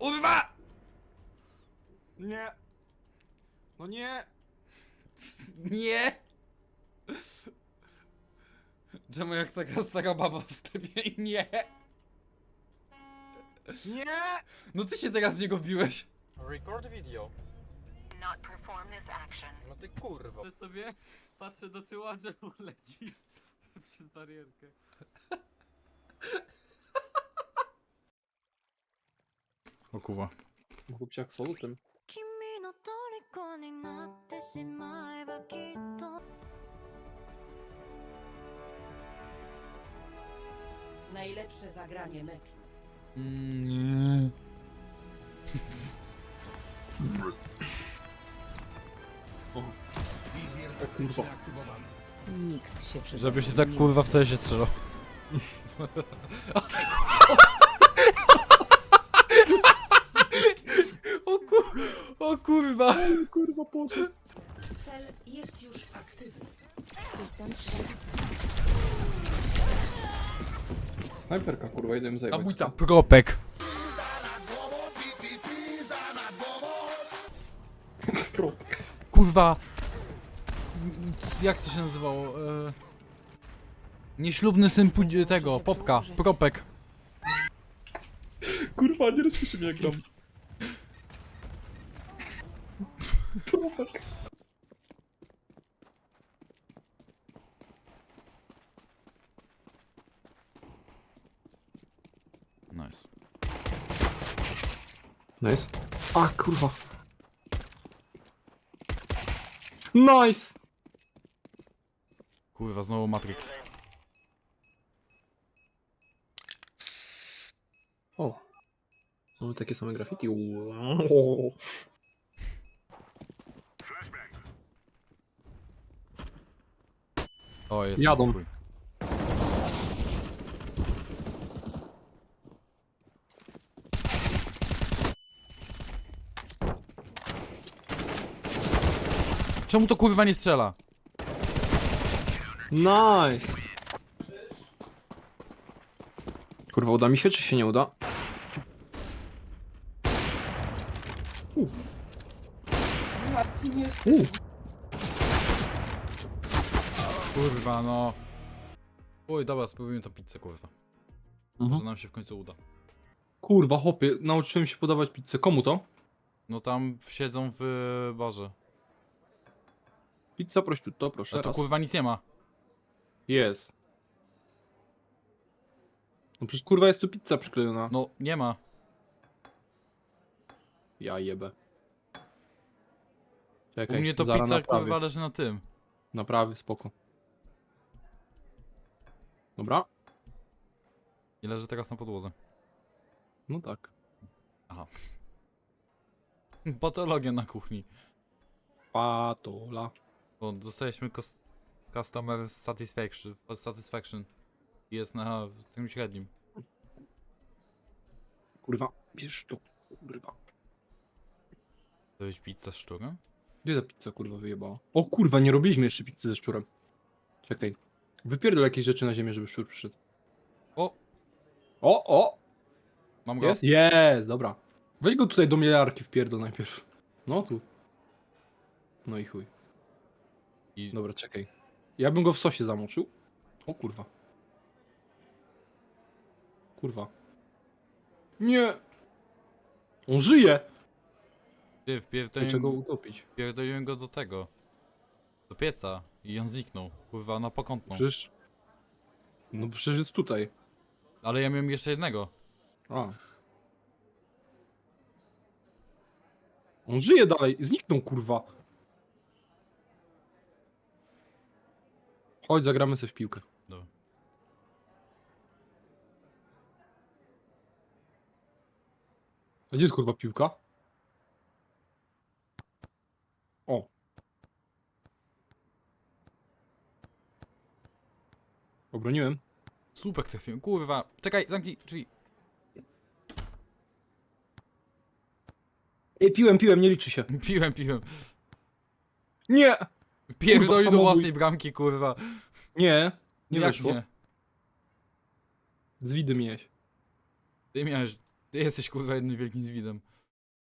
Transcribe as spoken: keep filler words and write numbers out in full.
Kurwa! Nie. No nie. Nie! Czemu jak taka stara baba w sklepie i nie? Nie. No ty się teraz z niego wbiłeś. Record video. Not perform this action. No ty kurwa. Ja sobie patrzę do tyłu, a drzewo leci przez barierkę. O kurwa. Chłopciak z solutem. 君の虜になってしまえばきっと Najlepsze zagranie meczu. Nie. Kurwa. Nikt się przed Żeby się tak kurwa wtedy się strzelał. O kur... O kurwa. Kurwa poszedł. Cel jest już aktywny. System przewidzenia. Snajperka kurwa, idę im zajebać. Zabójca. Propek. Propek. Kurwa. Jak to się nazywało? E... Nieślubny syn pu- tego, Popka. Propek. Kurwa, nie rozpiszę mnie jak gram. Propek. Nice. Nice. A kurwa. Nice! Kurwa, znowu Matrix. O. Mamy takie same graffiti. Wow. O, jest. Jadą. chuj. Czemu to kurwa nie strzela? Nice! Kurwa, uda mi się, czy się nie uda? U. U. Kurwa, no. Oj, dobra, spróbujmy to pizzę, kurwa. Może Mhm. nam się w końcu uda. Kurwa, chłopie, nauczyłem się podawać pizzę. Komu to? No tam siedzą w barze. Pizza prosciutto, proszę. A tu raz. kurwa nic nie ma. Jest. No przecież kurwa jest tu pizza przyklejona. No, nie ma. Ja jebę. U Czekaj, mnie to zaraz pizza naprawię. kurwa leży na tym. Naprawy, spoko. Dobra? I leży teraz na podłodze. No tak. Patologia na kuchni. Patola. Bo dostaliśmy kos- customer satisfaction. Satisfaction. Jest na tym średnim. Kurwa, bierz to. Kurwa. To jest pizza z szczurem? Gdzie ta pizza kurwa wyjebała? O kurwa, nie robiliśmy jeszcze pizzy ze szczurem. Czekaj. Wypierdol jakieś rzeczy na ziemię, żeby szczur przyszedł. O! O, o! Mam go? Jest? Jest, dobra. Weź go tutaj do mielarki wpierdol najpierw. No tu. No i chuj. I... Dobra, czekaj. Ja bym go w sosie zamoczył. O kurwa. Kurwa. Nie! On żyje! Ty, Dlaczego wpierdoliłem, go utopić? wpierdoliłem go do tego. Do pieca. I on zniknął. Kurwa, na pokątną. Przecież... No przecież jest tutaj. Ale ja miałem jeszcze jednego. A. On żyje dalej. Zniknął kurwa. Chodź, zagramy sobie w piłkę. Dobra. A gdzie jest kurwa piłka? O. Obroniłem. Słupek trafiłem. Kurwa. Czekaj, zamknij drzwi. Ej, piłem, piłem, nie liczy się. Piłem, piłem. Nie! Pierdoli do samobój. własnej bramki, kurwa. Nie, nie Jak weszło. nie? Z widy miałeś. Ty miałeś... Ty jesteś kurwa jednym wielkim zwidem.